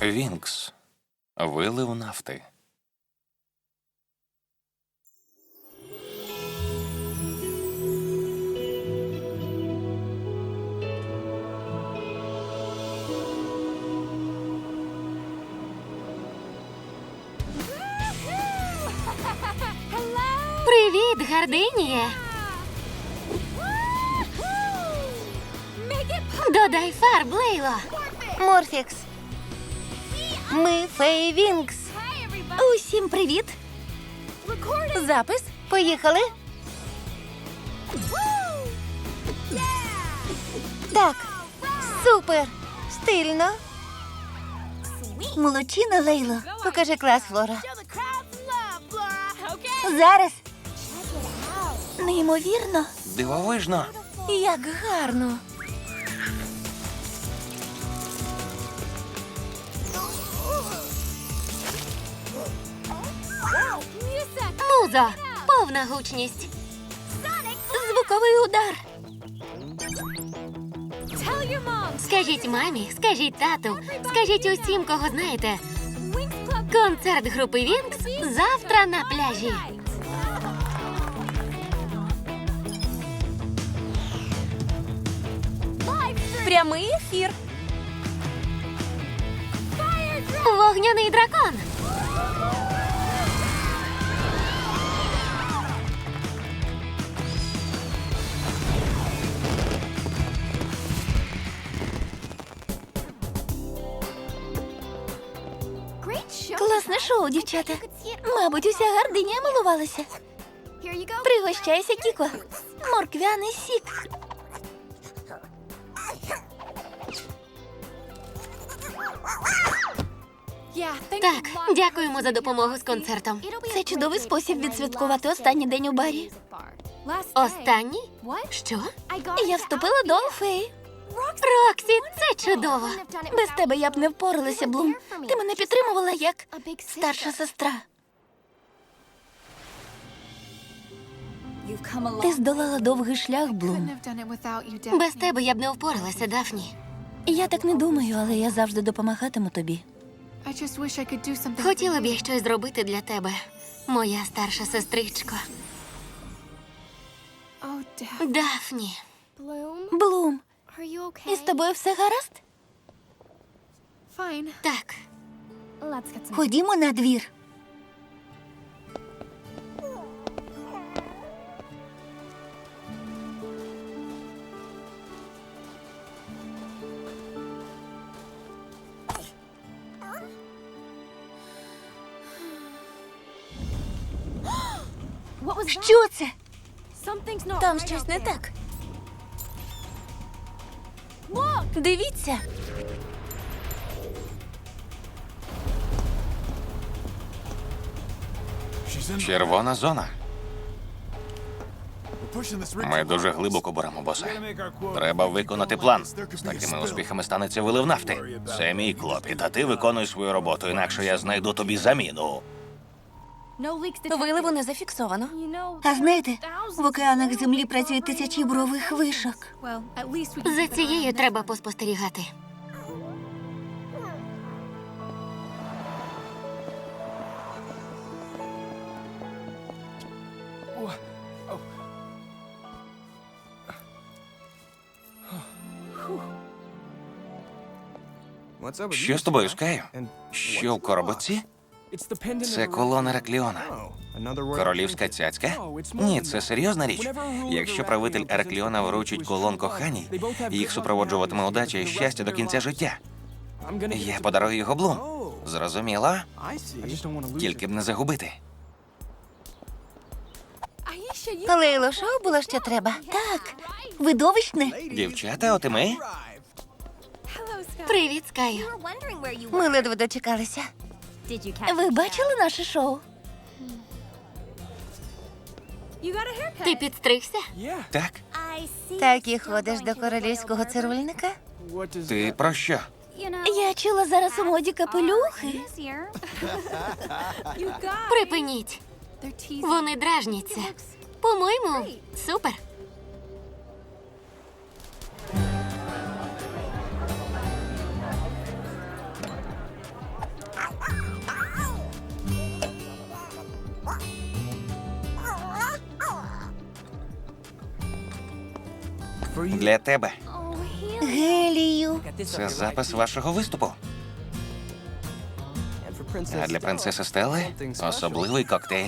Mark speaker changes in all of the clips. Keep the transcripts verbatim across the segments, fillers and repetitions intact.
Speaker 1: Вінкс. Вилив нафти.
Speaker 2: Привіт, Гардиніє! Додай фарб, Лейло!
Speaker 3: Морфікс. Ми Фей Вінкс. Усім привіт. Запис. Поїхали. Так. Супер. Стильно. Молодчина, Лейло. Покажи клас, Флора. Зараз. Неймовірно.
Speaker 1: Дивовижно.
Speaker 3: Як гарно.
Speaker 2: Музо! Повна гучність! Звуковий удар! Скажіть мамі, скажіть тату, скажіть усім, кого знаєте. Концерт групи Вінкс завтра на пляжі.
Speaker 3: Прямий ефір.
Speaker 2: Вогняний дракон!
Speaker 3: Класне шоу, дівчата. Мабуть, уся Гардинія милувалася. Пригощайся, Кіко. Морквяний сік.
Speaker 2: Так, дякуємо за допомогу з концертом.
Speaker 3: Це чудовий спосіб відсвяткувати останній день у барі.
Speaker 2: Останній? Що?
Speaker 3: Я вступила до Фей.
Speaker 2: Роксі, це чудово!
Speaker 3: Без тебе я б не впоралася, Блум. Ти мене підтримувала як старша сестра. Ти здолала довгий шлях, Блум.
Speaker 2: Без тебе я б не впоралася, Дафні.
Speaker 3: Я так не думаю, але я завжди допомагатиму тобі.
Speaker 2: Хотіла б я щось зробити для тебе, моя старша сестричко. Дафні.
Speaker 3: Блум, із тобою все гаразд?
Speaker 2: Так,
Speaker 3: Ходімо на двір. Що це? Там щось не так. Дивіться.
Speaker 1: Червона зона. Ми дуже глибоко беремо, босе. Треба виконати план. З такими успіхами станеться вилив нафти. Це мій клопіт, а ти виконуй свою роботу, інакше я знайду тобі заміну.
Speaker 3: Виливу не зафіксовано. А знаєте, в океанах землі працюють тисячі бурових вишок.
Speaker 2: за цією треба поспостерігати.
Speaker 1: Що з тобою, Скаю? Що в коробці? Це колона Еракліона. Королівська цяцька? Ні, це серйозна річ. Якщо правитель Еракліона вручить колон коханій, їх супроводжуватиме удача і щастя до кінця життя. Я подарую його Блум. Зрозуміло? Тільки б не загубити.
Speaker 3: Лейло, шоу було ще треба. Так, видовищне.
Speaker 1: Дівчата, от і ми.
Speaker 2: Привіт, Скаю.
Speaker 3: Ми ледве дочекалися. Ви бачили наше шоу?
Speaker 2: Ти підстригся?
Speaker 1: Так?
Speaker 3: Так і ходиш до королівського цирульника?
Speaker 1: Ти про що?
Speaker 3: Я чула, зараз у моді капелюхи.
Speaker 2: Припиніть. Вони дражняться. По-моєму, супер.
Speaker 1: Для тебе.
Speaker 3: Гелію.
Speaker 1: Це запис вашого виступу. А для принцеси Стелли особливий коктейль.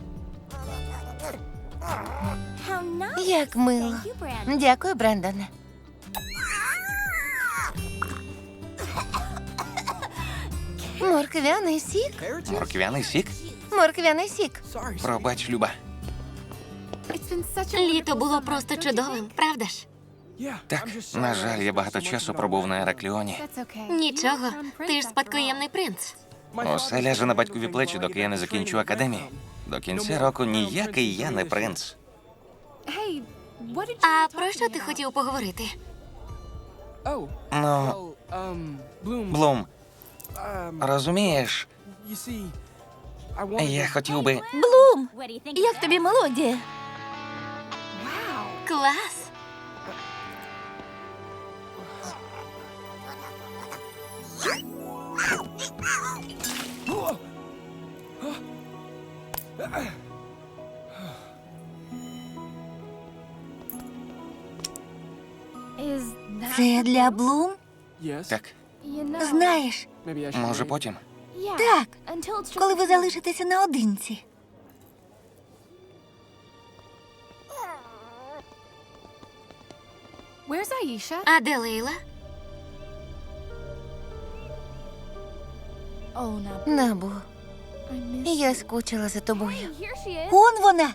Speaker 4: Як мило. Дякую, Брендоне. Морквяний сік?
Speaker 1: Морквяний сік?
Speaker 4: Морквяний сік.
Speaker 1: Пробач, Люба.
Speaker 2: Літо було просто чудовим, правда ж?
Speaker 1: Так, на жаль, я багато часу пробув на Еракліоні.
Speaker 2: Нічого, ти ж спадкоємний принц.
Speaker 1: Усе ляже на батькові плечі, доки я не закінчу академію. До кінця року ніякий я не принц.
Speaker 2: А про що ти хотів поговорити?
Speaker 1: Ну, Блум, розумієш, я хотів би...
Speaker 3: Блум, як тобі мелодія?
Speaker 2: Клас!
Speaker 3: Це для Блум?
Speaker 1: Так,
Speaker 3: Знаєш,
Speaker 1: може потім?
Speaker 3: так, коли ви залишитеся наодинці.
Speaker 2: А де Лейла?
Speaker 4: Набу, я скучила за тобою.
Speaker 3: Он вона.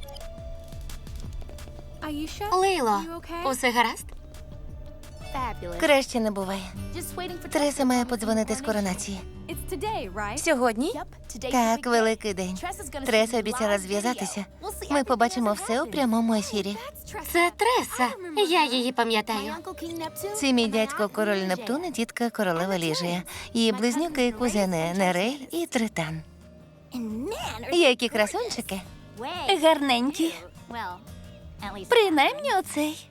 Speaker 2: Лейло, усе гаразд?
Speaker 4: Краще не буває. Треса має подзвонити з коронації. Сьогодні? Так, великий день. Треса обіцяла зв'язатися. Ми побачимо все у прямому ефірі.
Speaker 2: Це Треса. Я її пам'ятаю.
Speaker 4: Це мій дядько король Нептун і тітка королева Ліжія. Її близнюки і кузени Нерель і Тритан. Які красунчики.
Speaker 3: Гарненькі. Принаймні оцей.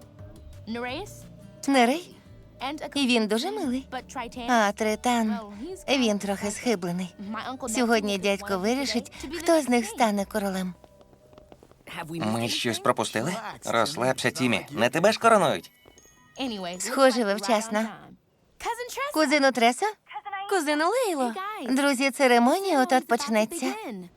Speaker 4: Нерей? І він дуже милий. А Тритан, він трохи схиблений. Сьогодні дядько вирішить, хто з них стане королем.
Speaker 1: Ми щось пропустили? Розслабся, Тімі. Не тебе ж коронують?
Speaker 4: Схоже, ви вчасно. Кузину Тресо?
Speaker 3: Кузину Лейло.
Speaker 4: Друзі, церемонія от-от почнеться.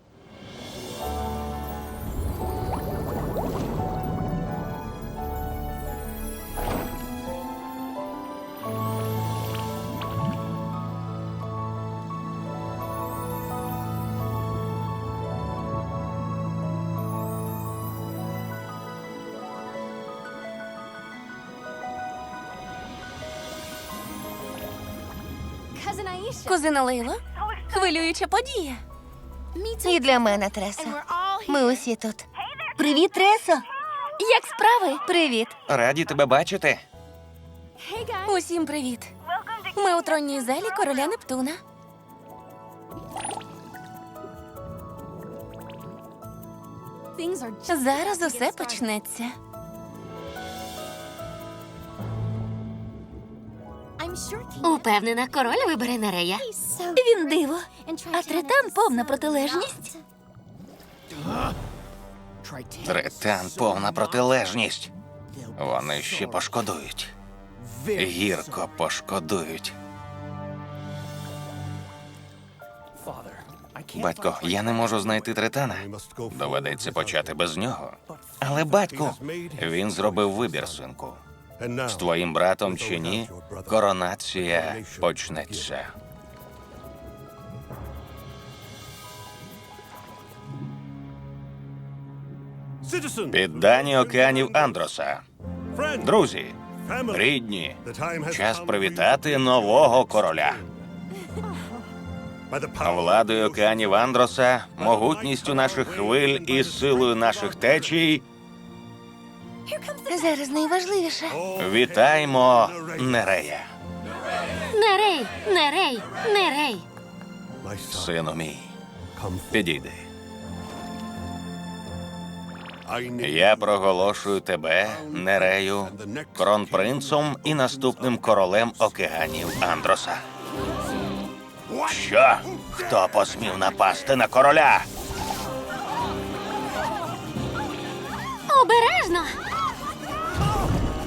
Speaker 3: Кузина Лейло? Хвилююча подія.
Speaker 4: І для мене, Тресо. Ми усі тут.
Speaker 3: Привіт, Тресо. Як справи?
Speaker 4: Привіт.
Speaker 1: Раді тебе бачити.
Speaker 3: Усім привіт. Ми у тронній залі короля Нептуна. Зараз усе почнеться.
Speaker 2: Упевнена, король вибере Нерея.
Speaker 3: Він диво. А Тритан повна протилежність.
Speaker 1: Тритан повна протилежність. Вони ще пошкодують. Гірко пошкодують. Батько, я не можу знайти Тритана. Доведеться почати без нього. Але, батьку, він зробив вибір, синку. З твоїм братом чи ні, коронація почнеться. Піддані океанів Андроса. Друзі, рідні, час привітати нового короля. Владою океанів Андроса, могутністю наших хвиль і силою наших течій
Speaker 4: Зараз найважливіше.
Speaker 1: вітаємо Нерея.
Speaker 2: Нерей, Нерей, Нерей.
Speaker 1: Сину мій, підійди. Я проголошую тебе, Нерею, кронпринцом і наступним королем океанів Андроса. Що? Хто посмів напасти на короля?
Speaker 2: Обережно!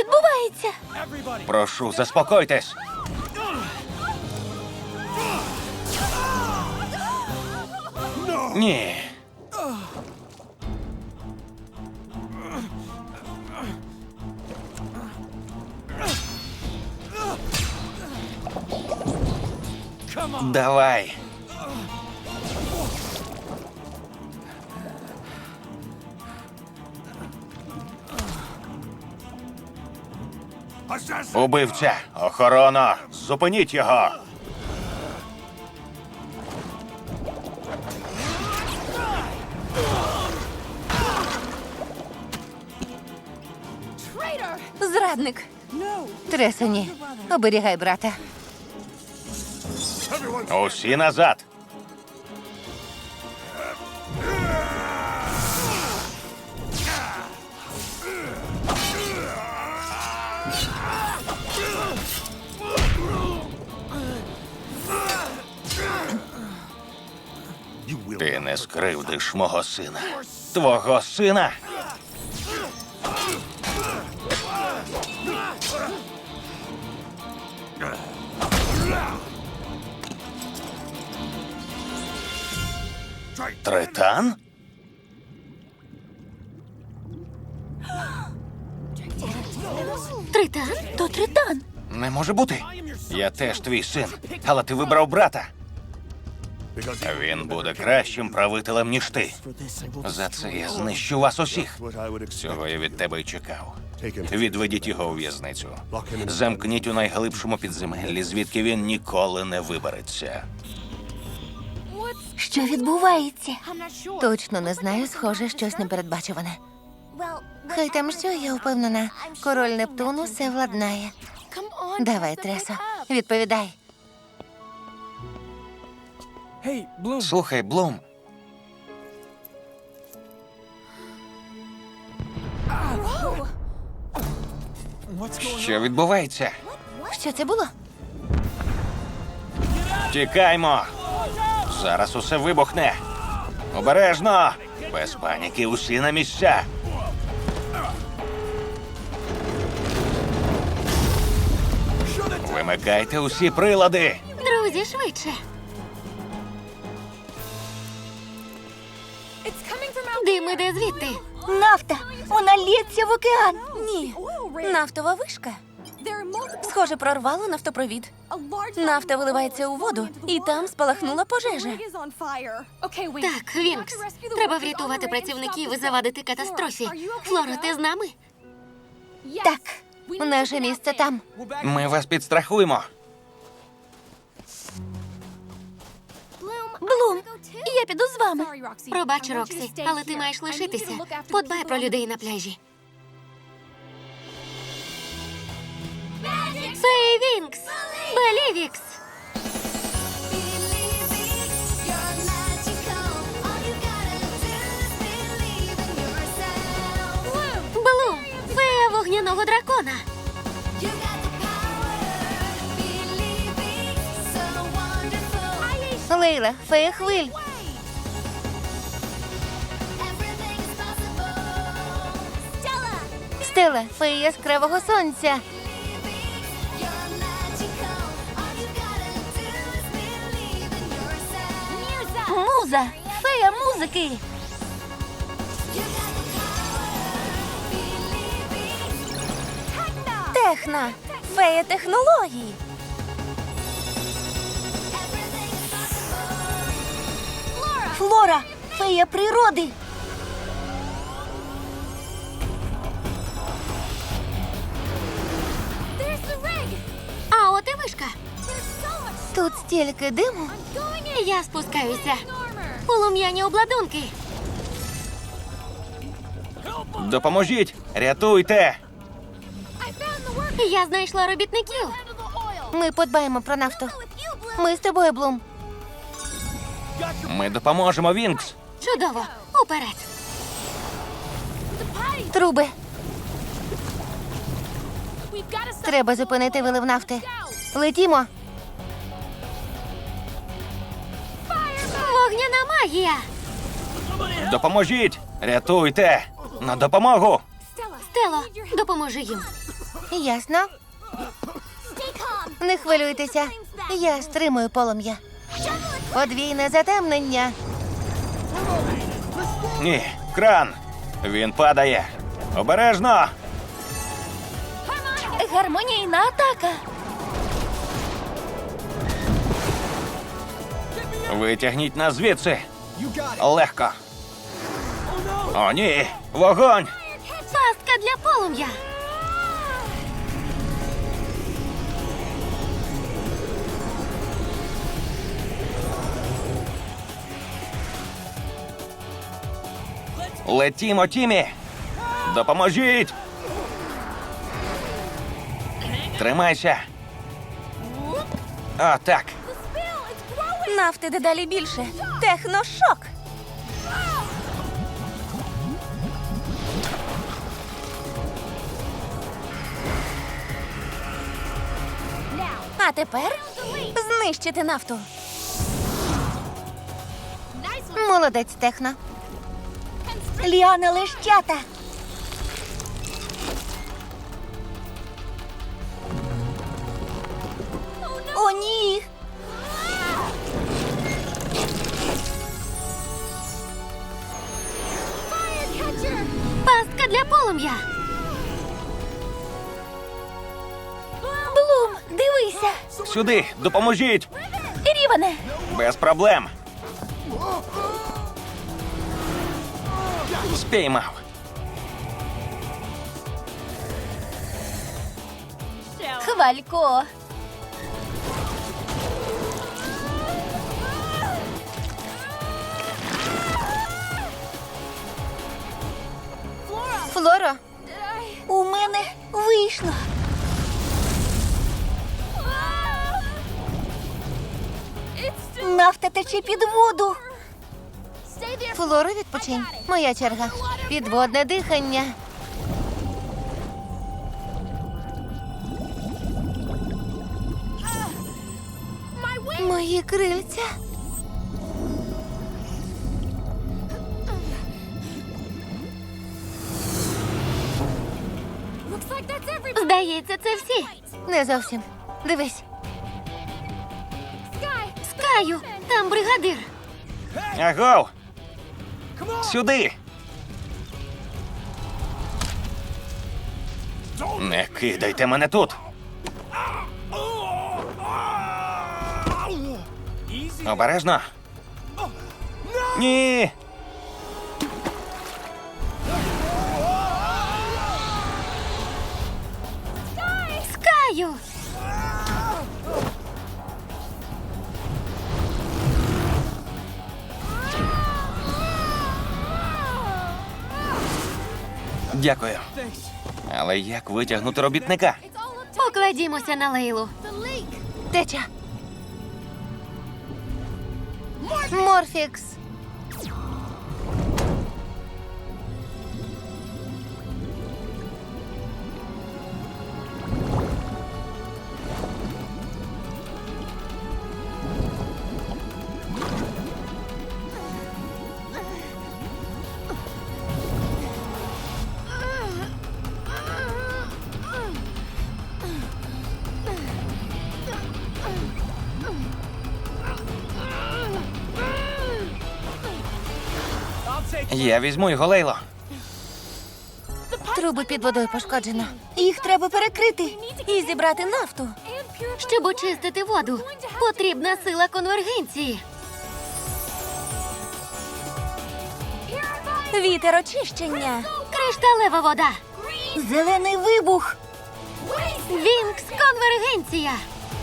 Speaker 4: відбувається?
Speaker 1: Прошу, заспокойтесь. Ні. Давай. Убивця! Охорона! Зупиніть його!
Speaker 4: Зрадник. Треса, ні. Оберігай брата.
Speaker 1: Усі назад! Ти не скривдиш мого сина. Твого сина? Тритан?
Speaker 2: Тритан?
Speaker 3: То Тритан.
Speaker 1: Не може бути. Я теж твій син, але ти вибрав брата. Він буде кращим правителем, ніж ти. За це я знищу вас усіх. Цього я від тебе й чекав. Відведіть його у в'язницю. Замкніть у найглибшому підземеллі, звідки він ніколи не вибереться.
Speaker 3: Що відбувається?
Speaker 4: Точно не знаю, схоже, щось непередбачуване. Хай там що, я впевнена, король Нептун усе владнає. Давай, Тресо, відповідай.
Speaker 1: Слухай, Блум, що відбувається?
Speaker 4: Що це було?
Speaker 1: Тікаймо! Зараз усе вибухне. Обережно! Без паніки, усі на місця. Вимикайте усі прилади.
Speaker 2: Друзі, швидше. Дим іде звідти.
Speaker 3: Нафта! Вона лється в океан!
Speaker 4: Ні. Нафтова вишка. Схоже, прорвало нафтопровід. Нафта виливається у воду, і там спалахнула пожежа.
Speaker 2: Так, Вінкс. Треба врятувати працівників і завадити катастрофі. Флоро, ти з нами?
Speaker 3: Так.
Speaker 4: Наше місце там.
Speaker 1: Ми вас підстрахуємо.
Speaker 4: Блум, я піду з вами.
Speaker 2: Пробач, Роксі, але ти маєш лишитися. Подбай про людей на пляжі. Фей Вінкс! Белівікс! Блум! Фея вогняного дракона!
Speaker 4: Лейла, фея хвиль. Стелла, фея яскравого сонця.
Speaker 3: Муза! Фея музики!
Speaker 4: Техна, фея технологій.
Speaker 3: Флора! Фея природи!
Speaker 2: А от і вишка.
Speaker 4: Тут стільки диму.
Speaker 2: Я спускаюся. Полум'яні обладунки.
Speaker 1: Допоможіть! Рятуйте!
Speaker 2: Я знайшла робітників.
Speaker 4: Ми подбаємо про нафту. Ми з тобою, Блум.
Speaker 1: Ми допоможемо, Вінкс!
Speaker 2: Чудово. Уперед.
Speaker 4: Труби. Треба зупинити вилив нафти. Летімо.
Speaker 2: Вогняна магія.
Speaker 1: Допоможіть! Рятуйте! На допомогу!
Speaker 2: Стело, допоможи їм.
Speaker 4: Ясно. Не хвилюйтеся. Я стримую полум'я. Подвійне затемнення.
Speaker 1: Ні, кран! Він падає! Обережно!
Speaker 4: Гармонійна атака.
Speaker 1: Витягніть нас звідси! Легко! О, ні! Вогонь!
Speaker 2: Пастка для полум'я.
Speaker 1: Летімо, Тімі! Допоможіть! Тримайся! О, так!
Speaker 4: Нафти дедалі більше. Техношок. А тепер знищити нафту. Молодець, Техно.
Speaker 3: Ліана лещата. О, ні.
Speaker 2: Пастка для полум'я.
Speaker 4: Блум, дивися.
Speaker 1: Сюди! Допоможіть!
Speaker 4: Рівене.
Speaker 1: Без проблем! Спіймав!
Speaker 4: Хвалько. Флоро.
Speaker 3: У мене вийшло. Нафта тече під воду.
Speaker 4: Флоро, відпочинь. Моя черга. Підводне дихання. Мої крильця.
Speaker 2: Здається, це всі.
Speaker 4: Не зовсім. Дивись.
Speaker 2: Скаю, там бригадир.
Speaker 1: Агов! Сюди! Не кидайте мене тут! Обережно! Ні!
Speaker 2: Скаю.
Speaker 1: Дякую. Але як витягнути робітника?
Speaker 2: Покладімося на Лейлу.
Speaker 4: Теча. Морфікс.
Speaker 1: Я візьму його, Лейло.
Speaker 4: Труби під водою пошкоджено.
Speaker 3: Їх треба перекрити.
Speaker 4: І зібрати нафту.
Speaker 2: Щоб очистити воду, потрібна сила конвергенції.
Speaker 4: Вітер очищення.
Speaker 2: Кришталева вода.
Speaker 3: Зелений вибух.
Speaker 2: Вінкс конвергенція.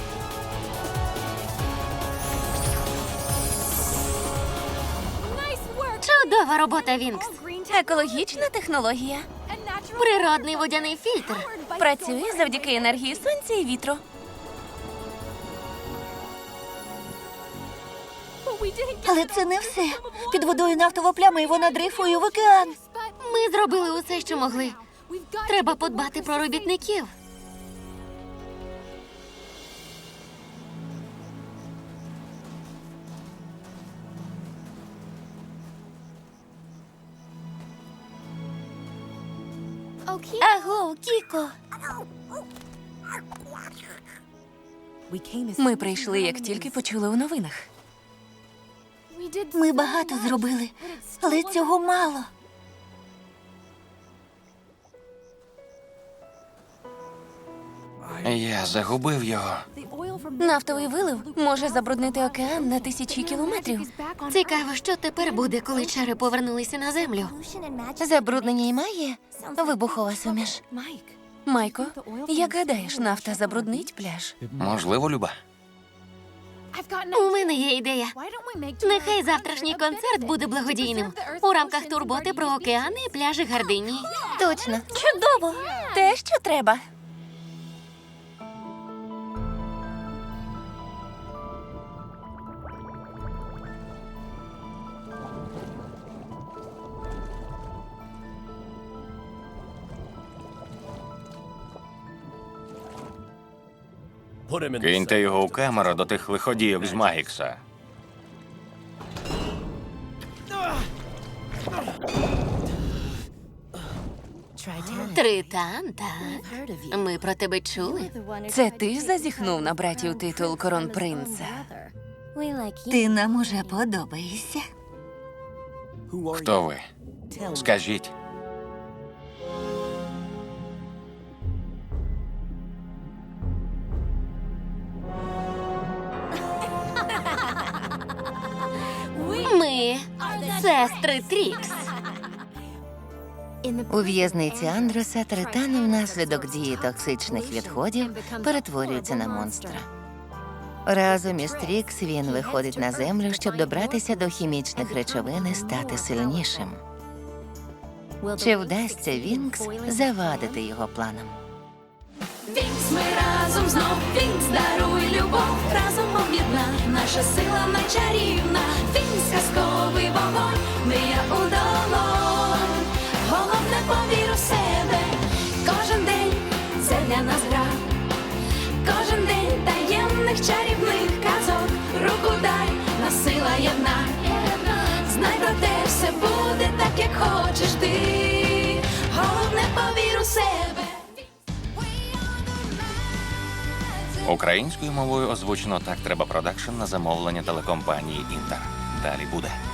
Speaker 2: Чудова робота, Вінкс.
Speaker 4: Екологічна технологія.
Speaker 2: Природний водяний фільтр.
Speaker 4: Працює завдяки енергії сонця і вітру.
Speaker 3: Але це не все. Під водою нафтова пляма, і вона дрейфує в океан.
Speaker 2: Ми зробили усе, що могли. Треба подбати про робітників.
Speaker 4: Аго, Кіко.
Speaker 5: Ми прийшли, як тільки почули у новинах.
Speaker 3: Ми багато зробили, але цього мало.
Speaker 1: Я загубив його.
Speaker 5: Нафтовий вилив може забруднити океан на тисячі кілометрів.
Speaker 2: Цікаво, що тепер буде, коли чари повернулися на землю.
Speaker 4: Забруднення й має вибухова суміш.
Speaker 5: Майко, як гадаєш, нафта забруднить пляж?
Speaker 1: Можливо, Люба.
Speaker 2: У мене є ідея. Нехай завтрашній концерт буде благодійним у рамках турботи про океани і пляжі Гардинії.
Speaker 4: Точно. Чудово. Те, що треба.
Speaker 1: Киньте його у камеру до тих лиходійок з Магікса.
Speaker 2: Тритан, так. Ми про тебе чули.
Speaker 5: Це ти зазіхнув на братів титул коронпринца?
Speaker 3: Ти нам уже подобаєшся.
Speaker 1: Хто ви? Скажіть.
Speaker 2: Ми сестри Трікс.
Speaker 4: У в'язниці Андроса Тритан внаслідок дії токсичних відходів перетворюється на монстра. Разом із Трікс він виходить на землю, щоб добратися до хімічних речовин і стати сильнішим. Чи вдасться Вінкс завадити його планам?
Speaker 6: Вінкс, ми разом знов, Вінкс, даруй любов, разом об'єдна, наша сила найчарівна. Вінкс, казковий вогонь, мрія у долонь. Головне, повір у себе, кожен день це для нас гра. Кожен день таємних чарівних казок, руку дай, нас сила єдна. Знай про те, все буде так, як хочеш ти. Головне, повір у себе.
Speaker 1: Українською мовою озвучено «Так треба продакшн» на замовлення телекомпанії «Інтер». Далі буде.